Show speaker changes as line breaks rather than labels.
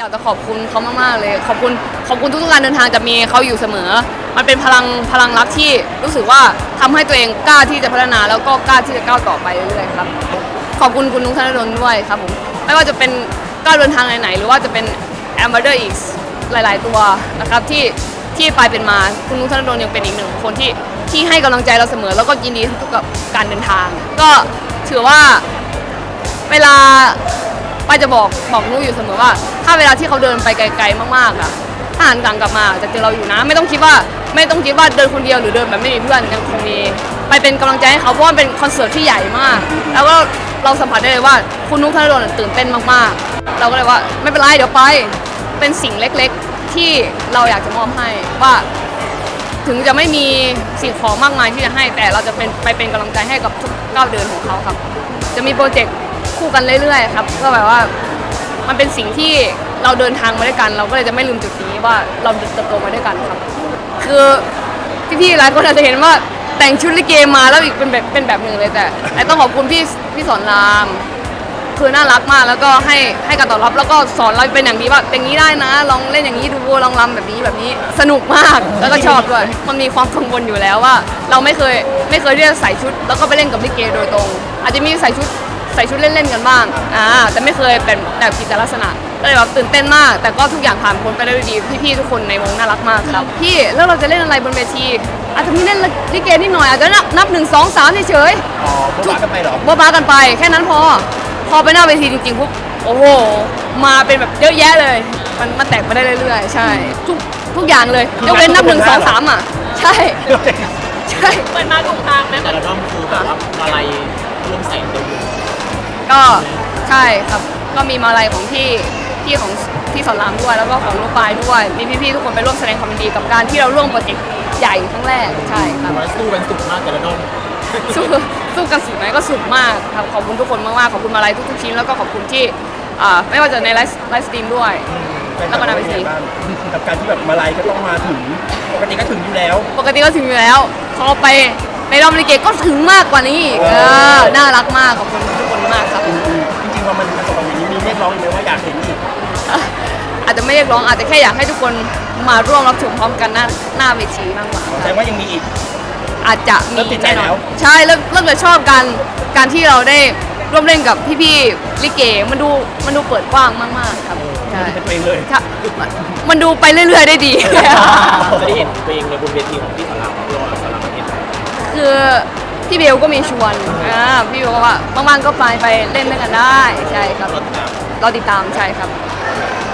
อยากจะขอบคุณเขามากๆเลยขอบคุณทุกการเดินทางจะมีเขาอยู่เสมอมันเป็นพลังรักที่รู้สึกว่าทำให้ตัวเองกล้าที่จะพัฒนาแล้วก็กล้าที่จะก้าวต่อไปเรื่อยๆครับขอบคุณนุ๊กธนดลด้วยครับผมไม่ว่าจะเป็นก้าวเดินทางไหนๆหรือว่าจะเป็นแอมบาเดอร์อีกหลายๆตัวนะครับที่ไปเป็นมาคุณนุ๊กธนดลยังเป็นอีกหนึ่งคนที่ให้กำลังใจเราเสมอแล้วก็ยินดีทุกกับการเดินทางก็ถือว่าเวลาป้าจะบอกนุ๊กอยู่เสมอว่าถ้าเวลาที่เขาเดินไปไกลๆมากๆอ่ะถ้าหันกลังกลับมาจะเจอเราอยู่นะไม่ต้องคิดว่าเดินคนเดียวหรือเดินแบบไม่มีเพื่อนยังคงมีไปเป็นกำลังใจให้เขาเพราะว่าเป็นคอนเสิร์ตที่ใหญ่มากแล้วก็เราสัมผัสได้เลยว่าคุณนุ๊กธนดลตื่นเต้นมากๆเราก็เลยว่าไม่เป็นไรเดี๋ยวไปเป็นสิ่งเล็กๆที่เราอยากจะมอบให้ว่าถึงจะไม่มีสิ่งของมากมายที่จะให้แต่เราจะเป็นกำลังใจให้กับทุกก้าวเดินของเขาครับจะมีโปรเจกต์คู่กันเรื่อยๆครับก็แบบว่ามันเป็นสิ่งที่เราเดินทางมาด้วยกันเราก็เลยจะไม่ลืมจุดนี้ว่าเราเติบโตมาด้วยกันครับคือพี่ๆหลายคนอาจจะเห็นว่าแต่งชุดลิเกมาแล้วอีกเป็นแบบหนึ่งเลยแต่ต้องขอบคุณพี่สอนรามคือน่ารักมากแล้วก็ให้การตอบรับแล้วก็สอนเราเป็นอย่างดีว่าอย่างนี้ได้นะลองเล่นอย่างนี้ดูลองรำแบบนี้สนุกมากแล้วก็ชอบด้วยมันมีความกังวลอยู่แล้วว่าเราไม่เคยที่จะใส่ชุดแล้วก็ไปเล่นกับลิเกโดยตรงอาจจะมีใส่ชุดเล่นๆกันบ้างแต่ไม่เคยเป็นแบบกิจลักษณะก็เลยแบบตื่นเต้นมากแต่ก็ทุกอย่างผ่านพ้นไปได้ด้วยดีพี่ๆทุกคนในวงน่ารักมากครับพี่แล้วเราจะเล่นอะไรบนเวทีอาจจะมีเล่นลิเกนิดหน่อยอาจจะนับ1 2 3เฉยๆ
อ๋อบ้ากันไปเหรอ
บ้ากันไปแค่นั้นพอไปหน้าเวทีจริงๆปุ๊บโอ้โหมาเป็นแบบเยอะแยะเลยมันแตกไปได้เรื่อยๆใช่ทุกอย่างเลยยกเว้นนับ1 2 3ใช่
เปิดมาถูกทางไหมแต่ละด้อมคือแบบว่าอะไรร่วมใส่ตัว
ก็ใช่ครับก็มีมาลัยของพี่ของพี่สอนรามด้วยแล้วก็ของลูกปลายด้วยมีพี่ๆทุกคนไปร่วมแสดงความยินดีกับการที่เราร่วมโปรเจกต์ใหญ่ครั้งแรกใช่ครับ
สู้กันสุดมากแต่ละด้อม
สู้กันสุดไหมก็สุดมากครับขอบคุณทุกคนมากๆขอบคุณมาลัยทุกๆชิ้นแล้วก็ขอบคุณที่ไม่ว่าจะในไลฟ์สตรีมด้วยแล้วก็ในเวที
กับการที่แบบมาลัยก็ต้องมาถึงปกติก็ถึงอยู่แล้ว
พอไปในรอบลิเกก็ถึงมากกว่านี้น่ารักมากขอบคุณทุกคนมากครับ
จริงๆพอมันประสบความสำเร็จมีเรียกร้องอีกไหมว่าอยากเห็นอีก
อาจจะไม่เรียกร้องอาจจะแค่อยากให้ทุกคนมาร่วมรับชมพร้อมกันหน้าเวทีมากกว่า
แสดงว่ายังมีอีก
อาจจะมีแน่นอนใช่เริ่มจะชอบการที่เราได้ร่วมเล่นกับพี่ๆลิเกมันดูเปิดกว้างมากๆครับ
ใช่เป็นตัวเองเลย
มันดูไปเรื่อยๆได้ดี
จะได้เห็นตัวเองในบนเวทีของพี่สอนรามรอสอนรามประเทศ
คือพี่เบลก็มีชวนพี่เบลว่าบางๆก็ไปเล่นด้วยกันได้ใช่ครับเราติดตามใช่ครับ